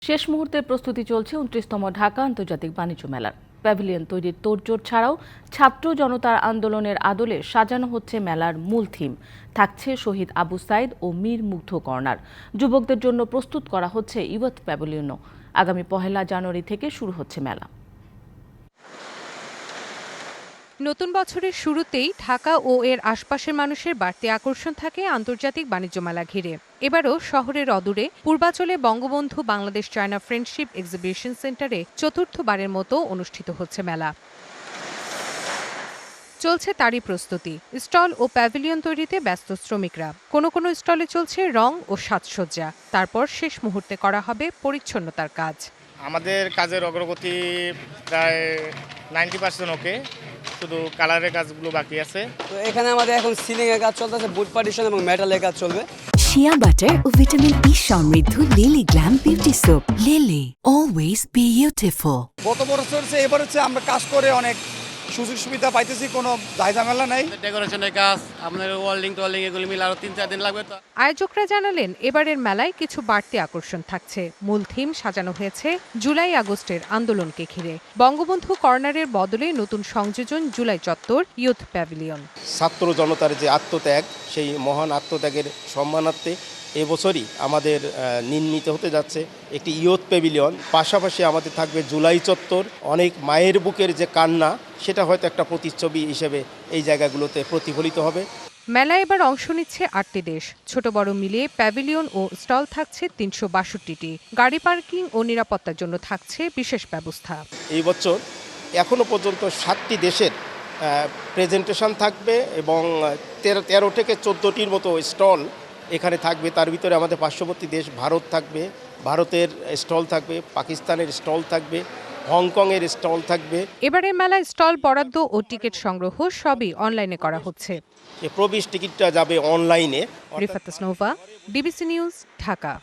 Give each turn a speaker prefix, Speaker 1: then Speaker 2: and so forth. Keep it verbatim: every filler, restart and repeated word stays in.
Speaker 1: শেষ মুহূর্তে প্রস্তুতি চলছে উনত্রিশতম ঢাকা আন্তর্জাতিক বাণিজ্য মেলার। প্যাভিলিয়ন তৈরির তোড়জোড় ছাড়াও ছাত্র জনতার আন্দোলনের আদলে সাজানো হচ্ছে মেলার মূল থিম। থাকছে শহীদ আবু সাইদ ও মীর মুগ্ধ কর্নার। যুবকদের জন্য প্রস্তুত করা হচ্ছে ইয়ুথ প্যাভিলিয়নও। আগামী পহেলা জানুয়ারি থেকে শুরু হচ্ছে মেলা।
Speaker 2: নতুন বছরের শুরুতেই ঢাকা ও এর আশপাশের মানুষের বাড়তি আকর্ষণ থাকে আন্তর্জাতিক বাণিজ্য মেলা ঘিরে। এবারও শহরের অদূরে পূর্বাচলে Bangabandhu Bangladesh China friendship exhibition সেন্টারে চতুর্থবারের মতো অনুষ্ঠিত হচ্ছে মেলা। চলছে তারই প্রস্তুতি। স্টল ও প্যাভিলিয়ন তৈরিতে ব্যস্ত শ্রমিকরা। কোনো কোনো স্টলে চলছে রং ও সাজসজ্জা। তারপর শেষ মুহূর্তে করা হবে পরিচ্ছন্নতার কাজ।
Speaker 3: আমাদের কাজের অগ্রগতি প্রায় নাইনটি পার্সেন্ট ওকে, শুধু কালারের কাজগুলো বাকি আছে।
Speaker 4: তো এখানে আমাদের এখন সিলিং এর কাজ চলতেছে, বুট পার্টিশন এবং মেটালের কাজ চলবে।
Speaker 5: শিয়া বাটার ও ভিটামিন ই সমৃদ্ধ Lily glam beauty soap. Lily always beautiful.
Speaker 6: গত বছর হচ্ছে এবার হচ্ছে আমরা কাজ করে অনেক সুযোগ সুবিধা পাইতেছি, কোনো ঝামেলা নাই।
Speaker 7: ডেকোরেশনের কাজ, আপনার ওয়ার্ল্ডিং টোয়ার্ল্ডিং এগুলো মিলে আরো তিন চার দিন লাগবে। তো
Speaker 2: আয়োজকরা জানালেন এবারের মেলায় কিছু বাড়তি আকর্ষণ থাকছে। মূল থিম সাজানো হয়েছে জুলাই আগস্টের আন্দোলনকে ঘিরে। বঙ্গবন্ধু কর্নারের বদলে নতুন সংযোজন জুলাই চত্বর ইয়ুথ প্যাভিলিয়ন।
Speaker 8: ছাত্র জনতার যে আত্মত্যাগ, সেই মহান আত্মত্যাগের সম্মানার্থে এবছরই আমাদের নির্মিত হতে যাচ্ছে একটি ইয়ুথ প্যাভিলিয়ন। পাশাপাশি আমাদের থাকবে জুলাই চত্বর। অনেক মায়ের বুকের যে কান্না, সেটা হয়তো একটা প্রতিচ্ছবি হিসেবে এই জায়গাগুলোতে প্রতিফলিত হবে।
Speaker 2: মেলায় এবার অংশ নিচ্ছে আটটি দেশ। ছোট বড় মিলিয়ে প্যাভিলিয়ন ও স্টল থাকছে তিনশো বাষট্টিটি। গাড়ি পার্কিং ও নিরাপত্তার জন্য থাকছে বিশেষ ব্যবস্থা।
Speaker 8: এই বছর এখনো পর্যন্ত সাতটি দেশের প্রেজেন্টেশন থাকবে এবং তেরো তেরো থেকে চোদ্দোটির মতো স্টল এখানে থাকবে। তার ভিতরে আমাদের পার্শ্ববর্তী দেশ ভারত থাকবে, ভারতের স্টল থাকবে, পাকিস্তানের স্টল থাকবে, হংকংয়ের স্টল থাকবে।
Speaker 2: এবারের মেলায় স্টল বরাদ্দ ও টিকিট সংগ্রহ সবই অনলাইনে করা হচ্ছে।
Speaker 8: প্রবেশ টিকিটটা যাবে অনলাইনে।
Speaker 2: Rifat Nova, DBC news, Dhaka.